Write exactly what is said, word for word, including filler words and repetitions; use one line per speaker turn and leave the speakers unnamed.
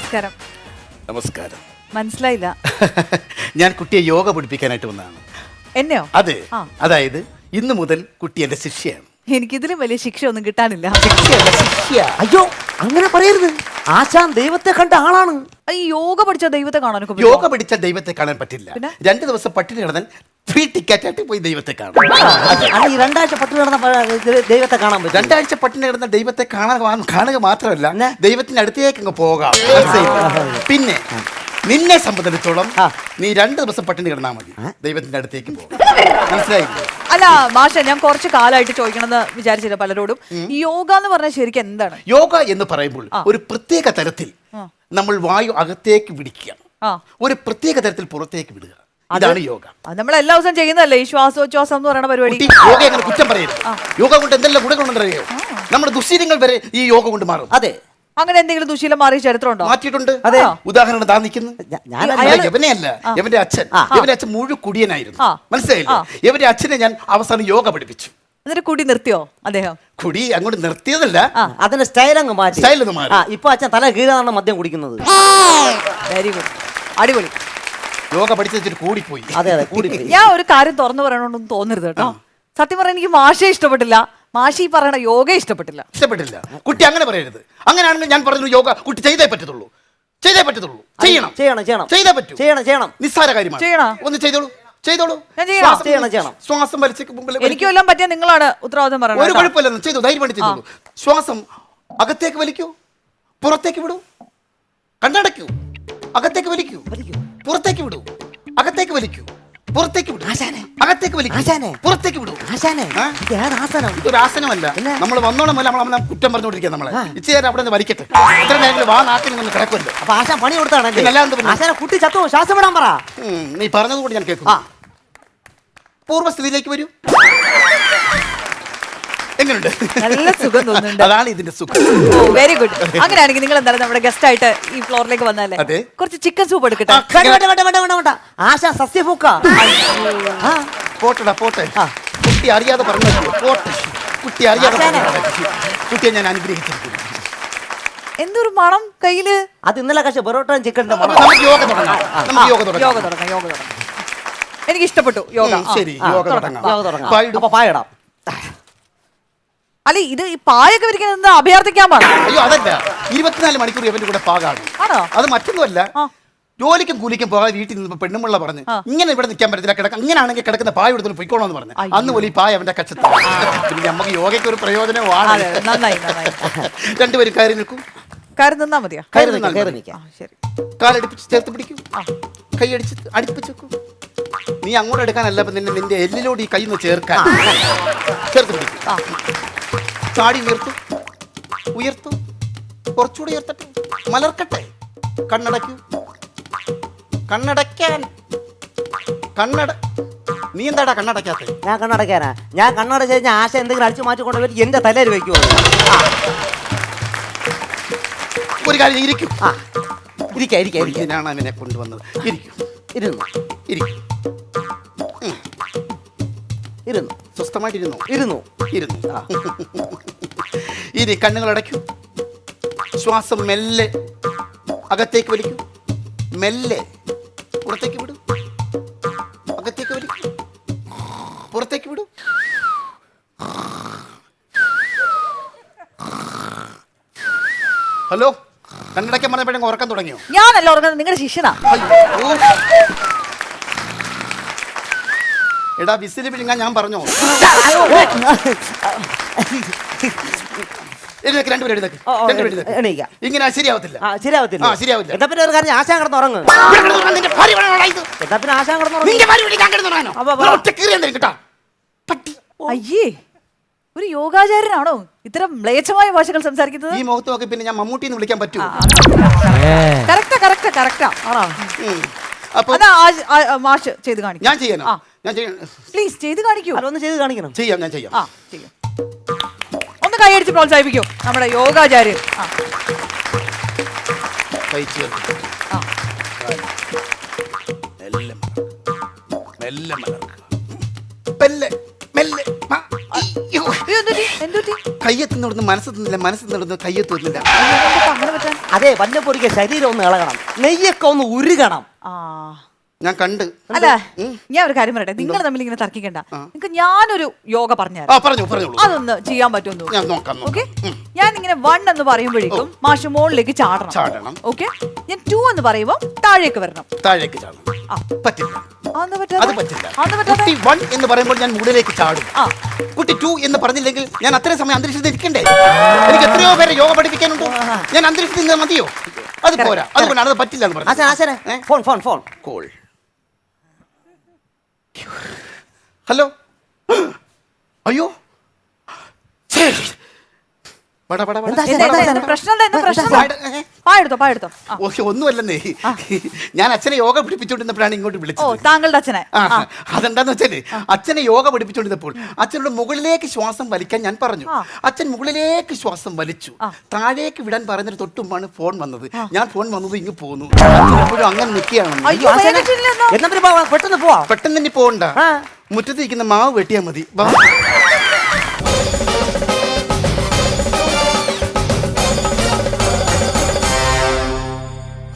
നമസ്കാരം.
നമസ്കാരം.
മനസ്സിലായില്ല.
ഞാൻ കുട്ടിയെ യോഗ പഠിപ്പിക്കാനായിട്ട് വന്നതാണ്.
എന്നെയോ?
അതെ. അതായത് ഇന്നു മുതൽ കുട്ടി എന്റെ ശിഷ്യയാണ്.
എനിക്കിതിലും വലിയ ശിക്ഷ ഒന്നും കിട്ടാനില്ല.
ശിക്ഷയല്ല, ശിഷ്യ.
അയ്യോ അങ്ങനെ പറയരുത്. ആശാൻ ദൈവത്തെ കണ്ട ആളാണ്.
ഈ യോഗ പഠിച്ച ദൈവത്തെ കാണാനൊക്കെ പറ്റുമോ?
യോഗ പഠിച്ച ദൈവത്തെ കാണാൻ പറ്റില്ല. രണ്ടു ദിവസം പട്ടിണി കിടന്നാൽ ഫ്രീ ടിക്കറ്റ് ആയിട്ട് പോയി ദൈവത്തെ കാണാം.
ഈ രണ്ടാഴ്ച പട്ടിണി കിടന്ന ദൈവത്തെ കാണാൻ പറ്റും.
രണ്ടാഴ്ച പട്ടിണി കിടന്ന ദൈവത്തെ കാണാൻ കാണുക മാത്രമല്ല, ദൈവത്തിന്റെ അടുത്തേക്ക് അങ്ങ് പോകാം. പിന്നെ നിന്നെ സംബന്ധിച്ചിടത്തോളം നീ രണ്ടു ദിവസം പട്ടിണി കിടന്നാൽ മതി, ദൈവത്തിന്റെ അടുത്തേക്ക് പോകും. മനസ്സിലായില്ലേ?
അല്ല മാഷ, ഞാൻ കുറച്ച് കാലമായിട്ട് ചോദിക്കണമെന്ന് വിചാരിച്ചില്ല പലരോടും. ഈ യോഗ എന്ന് പറഞ്ഞാൽ ശരിക്കും എന്താണ്?
യോഗ എന്ന് പറയുമ്പോൾ ഒരു പ്രത്യേക തരത്തിൽ നമ്മൾ വായു അകത്തേക്ക് വിടിക്കുക, ഒരു പ്രത്യേക തരത്തിൽ പുറത്തേക്ക് വിടുക. അതാണ് യോഗ.
നമ്മൾ എല്ലാ ദിവസവും ചെയ്യുന്നതല്ലേ ഈ ശ്വാസോച്ഛ്വാസം എന്ന് പറയുന്ന പരിപാടി?
യോഗ അങ്ങനെ കുറ്റം പറയരുത്. യോഗ കൊണ്ട് എന്തെല്ലാം ഗുണങ്ങളുണ്ടറിയോ? നമ്മുടെ ദുശീലങ്ങൾ വരെ ഈ യോഗ കൊണ്ട് മാറും.
അതെ.
അങ്ങനെ എന്തെങ്കിലും ദുശീലം മാറിയ ചരിത്രം ഉണ്ടോ?
മാറ്റിയിട്ടുണ്ട്. അതെ. ഉദാഹരണം താ നിൽക്കുന്നു. യവനെയല്ല, യവന്റെ അച്ഛൻ. യവന്റെ അച്ഛൻ മുഴു കുടിയനായിരുന്നു. മനസ്സിലായില്ലേ? യവന്റെ അച്ഛനെ ഞാൻ അവസാനം യോഗ പഠിപ്പിച്ചു.
എന്നിട്ട് കുടി നിർത്തിയോ അദ്ദേഹം?
കുടി അങ്ങോട്ട് നിർത്തിയതല്ല,
അതിന്റെ സ്റ്റൈൽ അങ്ങ് മാറ്റി.
സ്റ്റൈൽ ഒന്ന് മാറി.
ഇപ്പൊ അച്ഛൻ തല കീഴാണ് മദ്യം കുടിക്കുന്നത്.
വെരി ഗുഡ്, അടിപൊളി.
യോഗ പഠിച്ചിട്ട് കൂടിപ്പോയി.
അതെ അതെ കൂടിപ്പോയി.
ഞാൻ ഒരു കാര്യം തുറന്നു പറയണമെന്നൊന്നും തോന്നരുത് കേട്ടോ. സത്യം പറയാൻ എനിക്ക് മാഷെ ഇഷ്ടപ്പെട്ടില്ല, മാഷി പറയണ യോഗ ഇഷ്ടപ്പെട്ടില്ല.
ഇഷ്ടപ്പെട്ടില്ല കുട്ടി അങ്ങനെ പറയരുത്. അങ്ങനെയാണെങ്കിൽ ഞാൻ പറഞ്ഞു യോഗ കുട്ടി ചെയ്തേ പറ്റത്തുള്ളൂ, ചെയ്തേ പറ്റത്തുള്ളൂ. ചെയ്യണം
ചെയ്യണം ചെയ്യണം
ചെയ്തേ പറ്റൂ.
ചെയ്യണം ചെയ്യണം
നിസ്സാര കാര്യമാണ്.
ചെയ്യണം.
ഒന്ന് ചെയ്തോളൂ, ചെയ്തോളൂ.
ചെയ്യണം ചെയ്യണം.
ശ്വാസം വലിച്ച്
എനിക്ക് കൊല്ലാൻ പറ്റിയ നിങ്ങളാണ് ഉത്തരവാദിത്തം പറയുന്നത്.
ഒരു കുഴപ്പമില്ലെന്ന് ചെയ്തു, ധൈര്യമായിട്ട് ചെയ്തോളൂ. ശ്വാസം അകത്തേക്ക് വലിക്കൂ, പുറത്തേക്ക് വിടൂ. കണ്ണടയ്ക്കൂ, അകത്തേക്ക് വലിക്കൂ, പുറത്തേക്ക് വിടൂ. അകത്തേക്ക് വലിക്കൂ, പുറത്തേക്ക് വിടൂ. അകത്തേക്ക് വലിക്കൂ, പുറത്തേക്ക് വിടൂ. ഇതൊരു ആസനമല്ല. നമ്മൾ വന്നോണം പോലെ നമ്മൾ കുറ്റം പറഞ്ഞുകൊണ്ടിരിക്കുക. നമ്മളെ ഇച്ചിരി നേരം അവിടെ നിന്ന് വലിക്കട്ടെ. ഇത്ര നേരം വാ നാട്ടിൽ നിന്ന് കിടക്കുമല്ലോ.
അപ്പൊ ആശാൻ പണി കൊടുത്താണ്. കുട്ടി ചത്തോ, ശ്വാസം വിടാൻ പറ.
നീ പറഞ്ഞതുകൊണ്ട് ഞാൻ കേൾക്കും. പൂർവ്വസ്ഥിതിയിലേക്ക് വരൂ. എങ്ങനെയുണ്ട്?
നല്ല സുഖം തോന്നുന്നുണ്ട്.
അതാണ് ഇതിന്റെ സുഖം.
Very good. അങ്ങനെയാണെങ്കിൽ നിങ്ങൾ എന്തായാലും നമ്മുടെ ഗസ്റ്റ് ആയിട്ട് ഈ ഫ്ലോറിലേക്ക് വന്നാലേ കുറച്ച് ചിക്കൻ സൂപ്പ് എടുക്കട്ടെ.
ആശാ സസ്യഭൂക്ക.
പോട്ടെടാ പോട്ടെ. കുട്ടി അറിയാതെ പറഞ്ഞു പോട്ടെ. കുട്ടി അറിയാതെ കുട്ടിയെ ഞാൻ അനുഗ്രഹിച്ചിരിക്കുന്നു.
എന്തൊരു മണം കയ്യില്.
അത് ഇന്നലെ കഴിച്ച പൊറോട്ടയും ചിക്കൻ്റെ മണം.
നമുക്ക് യോഗ തുടങ്ങാം. നമുക്ക് യോഗ തുടങ്ങാം.
യോഗ തുടങ്ങാം. യോഗ തുടങ്ങാം. എനിക്ക് ഇഷ്ടപ്പെട്ടു യോഗ.
ശരി, യോഗ തുടങ്ങാം.
യോഗ തുടങ്ങാം. അപ്പൊ പായിടാം.
അല്ല ഇത് ഈ പായൊക്കെ വിരിക്കുന്നത് അഭ്യർത്ഥിക്കാൻ പാടില്ല.
അയ്യോ അതല്ല, ഇരുപത്തിനാല് മണിക്കൂർ ഇവന്റെ കൂടെ പാകാണ്. അത് മറ്റൊന്നുമല്ല, ജോലിക്കും കൂലിക്കും പോകാതെ വീട്ടിൽ നിന്ന് പെണ്ണുമുള്ള പറഞ്ഞ് ഇങ്ങനെ ഇവിടെ നിൽക്കാൻ പറ്റത്തില്ല, കിടക്കാം. ഇങ്ങനെയാണെങ്കിൽ കിടക്കുന്ന പായ എടുത്തു പൊയ്ക്കോളാന്ന് പറഞ്ഞു. അന്ന് പോലെ ഈ പായ അവന്റെ കച്ചത്ത്. പിന്നെ നമുക്ക് യോഗയ്ക്ക് ഒരു പ്രയോജനമാണ്. രണ്ടുപേരും കയറി നിൽക്കും.
കയറി നിന്നാ മതിയോ?
കാലടിപ്പിച്ച് ചേർത്ത് പിടിക്കും, കൈയടിച്ച് അടുപ്പിച്ച് വെക്കും. നീ അങ്ങോട്ട് എടുക്കാനല്ല, നിന്നെ നിന്റെ എല്ലിലോട് ഈ കൈ ഒന്ന് ചേർക്കാൻ. ചേർത്ത് പിടിക്കും. ചാടി ഉയർത്തു, ഉയർത്തു, കുറച്ചുകൂടി ഉയർത്തട്ടെ, മലർക്കട്ടെ. കണ്ണടയ്ക്കൂ, കണ്ണടയ്ക്കാൻ. കണ്ണട നീ എന്താടാ കണ്ണടയ്ക്കാത്ത?
ഞാൻ കണ്ണടയ്ക്കാനാ. ഞാൻ കണ്ണടച്ച് കഴിഞ്ഞാൽ ആശ എന്തെങ്കിലും അടിച്ചു മാറ്റിക്കൊണ്ട് വരും എന്റെ തലയിൽ വെക്കുമോ?
ഒരു കാര്യം ഇരിക്കും.
ഇരിക്കാം ഇരിക്കാം ഇരിക്കാം.
ഇതിനാണ് അവനെ കൊണ്ടുവന്നത്. ഇരിക്കും.
ഇരുന്നു
ഇരിക്കും.
ഇരുന്നു.
സ്വസ്ഥമായിട്ട് ഇരുന്നു.
ഇരുന്നു
ഇരുന്നു. ഇനി കണ്ണുകൾ അടയ്ക്കൂ. ശ്വാസം മെല്ലെ അകത്തേക്ക് വലിക്കൂ, മെല്ലെ പുറത്തേക്ക് വിടൂ. അകത്തേക്ക് വലിക്കൂ, പുറത്തേക്ക് വിടൂ. ഹലോ, കണ്ണടയ്ക്കാൻ പറഞ്ഞപ്പോഴേ ഉറക്കം തുടങ്ങിയോ?
ഞാനല്ല ഉറങ്ങുന്നത്, നിങ്ങളുടെ ശിഷ്യനാ.
എടാ വിസില് പിഴുങ്ങാൻ ഞാൻ പറഞ്ഞോ? ഇങ്ങനെ ശരിയാവത്തില്ല.
ശരിയാവത്തില്ല
ശരിയാവില്ല.
എന്താ പിന്നെ ഒരു കാര്യം, ആശാൻ കിടന്ന് ഉറങ്ങും. എന്താ പിന്നെ ആശാൻ കിടന്ന്
അയ്യേ, ഒരു യോഗാചാര്യനാണോ ഇത്തരം മ്ലേച്ഛമായ ഭാഷകൾ സംസാരിക്കുന്നത്?
ഈ മുഖത്ത് നോക്കി പിന്നെ ഞാൻ മമ്മൂട്ടി എന്ന് വിളിക്കാൻ പറ്റുമോ?
കറക്റ്റാ കറക്റ്റാ കറക്റ്റാ. മാഷ് ചെയ്ത് കാണിക്കും.
ഞാൻ ചെയ്യാനോ? ഞാൻ ചെയ്യാം.
പ്ലീസ് ചെയ്ത് കാണിക്കൂ.
ഒന്ന് ചെയ്ത് കാണിക്കണം.
ചെയ്യാം, ഞാൻ ചെയ്യാം.
ഒന്ന് കൈയടിച്ച് പ്രോത്സാഹിപ്പിക്കൂ നമ്മുടെ യോഗാചാര്യൻ.
മെല്ലെ മെല്ലെ. കയ്യെത്തുന്നിടന്ന് മനസ്സെത്തുന്നില്ല, മനസ്സെത്തുന്നിടന്ന് കയ്യെത്തുന്നില്ല.
അതെന്താ അങ്ങനെ പറ്റാൻ?
അതെ, വല്ലപ്പോഴേക്ക് ശരീരം ഒന്ന് ഇളകണം, നെയ്യൊക്കെ ഒന്ന് ഉരുകണം.
ആ
ഞാൻ കണ്ട്.
അല്ല ഞാൻ ഒരു കാര്യം പറയട്ടെ, നിങ്ങൾ തമ്മിൽ ഇങ്ങനെ തർക്കിക്കണ്ട. നിങ്ങൾക്ക് ഞാനൊരു യോഗ
ആ
പറഞ്ഞുതരാം,
പറഞ്ഞു പറഞ്ഞോളൂ.
അതൊന്ന് ചെയ്യാൻ പറ്റുമെന്ന്
ഞാൻ നോക്കാം നോക്കാം.
ഓക്കെ. ഞാൻ ഇങ്ങനെ വൺ എന്ന് പറയുമ്പോഴേക്കും മാഷ് മുകളിലേക്ക് ചാടണം.
ചാടണം.
ഓക്കെ. ഞാൻ ടു എന്ന് പറയുമ്പോൾ താഴേക്ക് വരണം.
താഴേക്ക് ചാടണം.
ആ.
പറ്റില്ല,
അതെന്താ പറ്റാതെ?
അത് പറ്റില്ല.
അതെന്താ പറ്റാതെ?
കുട്ടി വൺ എന്ന് പറയുമ്പോൾ ഞാൻ മുകളിലേക്ക് ചാടും.
ആ.
കുട്ടി ടു എന്ന് പറഞ്ഞില്ലെങ്കിൽ ഞാൻ അത്രയും സമയം അന്തരീക്ഷത്തിൽ ഇരിക്കണ്ടേ? എനിക്ക് എത്രയോ പേരെ യോഗ പഠിപ്പിക്കാനുണ്ട്. ഞാൻ അന്തരീക്ഷത്തിൽ നിന്ന് മതിയോ? അത് പോരാ, അതുകൊണ്ടാണ് അത് പറ്റില്ല എന്ന്
ആശാൻ
പറഞ്ഞത്.
ആശാനെ phone phone phone
call. Hello. അയ്യോ ശരി. വട, വട, വട.
എന്താ,
എന്താ, എന്താ, എന്താ?
എന്താ?
പ്രശ്നം എന്താ? എന്താ പ്രശ്നം?
പാട്, ഏ?
പായെടുത്തോ പായെടുത്തോ. ആ.
ഓക്കെ, ഒന്നുമല്ലെന്നേ. ഞാൻ അച്ഛനെ യോഗ പഠിപ്പിച്ചുകൊണ്ടിരുന്നപ്പോഴാണ് ഇങ്ങോട്ട്
ഓ
വിളിച്ചത്.
താങ്കളുടെ അച്ഛനെ.
ആ,
ആ.
അതെന്താന്ന് വെച്ചാല് അച്ഛനെ യോഗ പഠിപ്പിച്ചുകൊണ്ടിരുന്നപ്പോൾ അച്ഛനോട് മുകളിലേക്ക് ശ്വാസം വലിക്കാൻ ഞാൻ പറഞ്ഞു.
ആ.
അച്ഛൻ മുകളിലേക്ക് ശ്വാസം വലിച്ചു.
ആ.
താഴേക്ക് വിടാൻ പറഞ്ഞിട്ട് തൊട്ടുമാണ് ഫോൺ വന്നത്. ഞാൻ ഫോൺ വന്നത് ഇങ്ങ് പോന്നു. അച്ഛൻ എപ്പോഴും അങ്ങനെ നിൽക്കുകയാണ്.
അയ്യോ വേഗം ചെല്ല് എന്നാ.
എന്നാ പിന്നെ പോവാം, പെട്ടെന്ന് പോവാം.
പെട്ടെന്ന് തന്നെ പോകണ്ട.
ആ.
മുറ്റത്തിരിക്കുന്ന മാവ് വെട്ടിയാൽ മതി. വാ.